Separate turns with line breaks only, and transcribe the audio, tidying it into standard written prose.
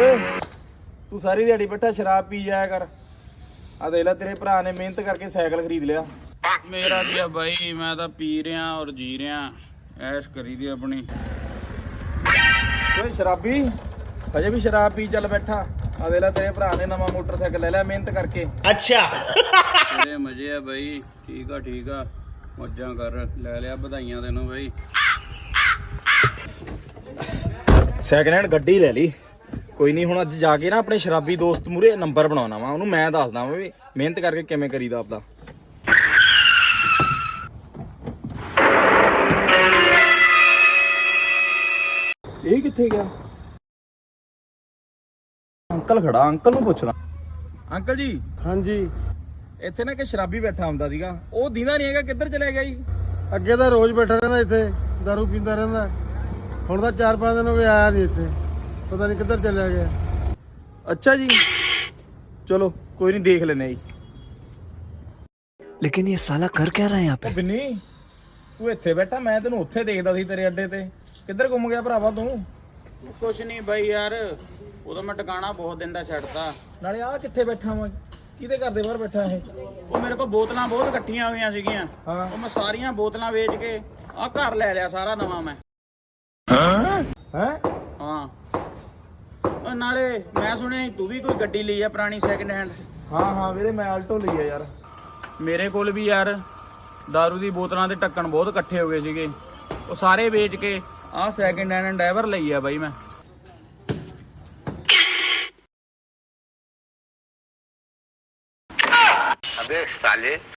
ਓਏ ਤੂੰ ਸਾਰੀ ਦਿਹਾੜੀ ਬੈਠਾ ਸ਼ਰਾਬ ਪੀ ਜਾਇਆ ਕਰ। ਆ ਦੇਖ ਲੈ ਤੇਰੇ ਭਰਾ ਨੇ ਮਿਹਨਤ ਕਰਕੇ ਸਾਈਕਲ ਖਰੀਦ ਲਿਆ।
ਮੇਰਾ ਕੀ ਆ ਬਾਈ, ਮੈਂ ਤਾਂ ਪੀ ਰਿਹਾ ਔਰ ਜੀ ਰਿਹਾ, ਐਸ਼ ਕਰੀ ਦੀ ਆਪਣੀ।
ਓਏ ਸ਼ਰਾਬੀ, ਹਜੇ ਵੀ ਸ਼ਰਾਬ ਪੀ ਚੱਲ ਬੈਠਾ। ਆ ਦੇਖ ਲੈ ਤੇਰੇ ਭਰਾ ਨੇ ਨਵਾਂ ਮੋਟਰਸਾਈਕਲ ਲੈ ਲਿਆ ਮਿਹਨਤ ਕਰਕੇ।
ਅੱਛਾ
ਤੇਰੇ ਮਜ਼ੇ ਆ ਬਾਈ, ਠੀਕ ਆ ਮੌਜਾਂ ਕਰ, ਲੈ ਲਿਆ ਵਧਾਈਆਂ ਤੈਨੂੰ ਬਾਈ।
ਸੈਕਿੰਡ ਹੈਂਡ ਗੱਡੀ ਲੈ ਲਈ। ਕੋਈ ਨਹੀਂ, ਹੁਣ ਅੱਜ ਜਾ ਕੇ ਨਾ ਆਪਣੇ ਸ਼ਰਾਬੀ ਦੋਸਤ ਮੂਰੇ ਨੰਬਰ ਬਣਾਉਣਾ ਵਾ, ਉਹਨੂੰ ਮੈਂ ਦੱਸਦਾ ਵਾ ਵੀ ਮਿਹਨਤ ਕਰਕੇ ਕਿਵੇਂ ਕਰੀਦਾ ਆਪਦਾ। ਇਹ ਕਿੱਥੇ ਗਿਆ? ਅੰਕਲ ਖੜਾ, ਅੰਕਲ ਨੂੰ ਪੁੱਛਦਾ। ਅੰਕਲ ਜੀ।
ਹਾਂਜੀ।
ਇੱਥੇ ਨਾ ਇੱਕ ਸ਼ਰਾਬੀ ਬੈਠਾ ਹੁੰਦਾ ਸੀਗਾ, ਉਹ ਦੀਦਾ ਨਹੀਂ ਹੈਗਾ, ਕਿੱਧਰ ਚਲੇ ਗਿਆ ਜੀ?
ਅੱਗੇ ਤਾਂ ਰੋਜ਼ ਬੈਠਾ ਰਹਿੰਦਾ ਇੱਥੇ, ਦਾਰੂ ਪੀਂਦਾ ਰਹਿੰਦਾ। ਹੁਣ ਤਾਂ 4-5 ਦਿਨ ਹੋ ਗਏ ਆਇਆ ਨਹੀਂ ਇੱਥੇ, ਪਤਾ ਨਹੀਂ ਕਿੱਧਰ ਚਲਿਆ ਗਿਆ।
ਅੱਛਾ ਜੀ, ਚਲੋ ਕੋਈ ਨਹੀਂ, ਦੇਖ ਲੈਨੇ ਜੀ।
लेकिन ये साला कर क्या रहा है यहाँ पे?
ਉਹ ਬਿੰਨੀ, ਤੂੰ ਇੱਥੇ ਬੈਠਾ, ਮੈਂ ਤੈਨੂੰ ਉੱਥੇ ਦੇਖਦਾ ਸੀ ਤੇਰੇ ਅੱਡੇ ਤੇ। ਕਿੱਧਰ ਗੁੰਮ ਗਿਆ ਭਰਾਵਾ ਤੂੰ?
ਕੁਛ ਨਹੀਂ ਬਾਈ ਯਾਰ, ਉਦੋਂ ਮੈਂ ਟਿਕਾਣਾ ਬਹੁਤ ਦਿਨ ਦਾ ਛੱਡਤਾ।
ਨਾਲੇ ਆਹ ਕਿੱਥੇ ਬੈਠਾ ਵਾਂ? ਕਿਹਦੇ ਘਰ ਦੇ ਬਾਹਰ ਬੈਠਾ ਇਹ?
ਉਹ ਮੇਰੇ ਕੋਲ ਬੋਤਲਾਂ ਬਹੁਤ ਇਕੱਠੀਆਂ ਹੋਈਆਂ ਸੀਗੀਆਂ,
ਹਾਂ।
ਉਹ ਮੈਂ ਸਾਰੀਆਂ ਬੋਤਲਾਂ ਵੇਚ ਕੇ ਆਹ ਘਰ ਲੈ ਲਿਆ ਸਾਰਾ ਨਵਾਂ ਮੈਂ।
ਹੈ
ਹਾਂ, ਉਹ ਨਾਲੇ ਮੈਂ ਸੁਣਿਆ ਤੂੰ ਵੀ ਕੋਈ ਗੱਡੀ ਲਈ ਆ ਪੁਰਾਣੀ ਸੈਕਿੰਡ ਹੈਂਡ।
ਹਾਂ ਵੀਰੇ, ਮੈਂ ਆਲਟੋ ਲਈ ਆ ਯਾਰ।
ਮੇਰੇ ਕੋਲ ਵੀ ਯਾਰ ਦਾਰੂ ਦੀ ਬੋਤਲਾਂ ਦੇ ਢੱਕਣ ਬਹੁਤ ਇਕੱਠੇ ਹੋ ਗਏ ਸੀਗੇ, ਉਹ ਸਾਰੇ ਵੇਚ ਕੇ ਆਹ ਸੈਕਿੰਡ ਹੈਂਡ ਐਂਡੈਵਰ ਲਈ ਆ ਬਾਈ ਮੈਂ।
अबे साले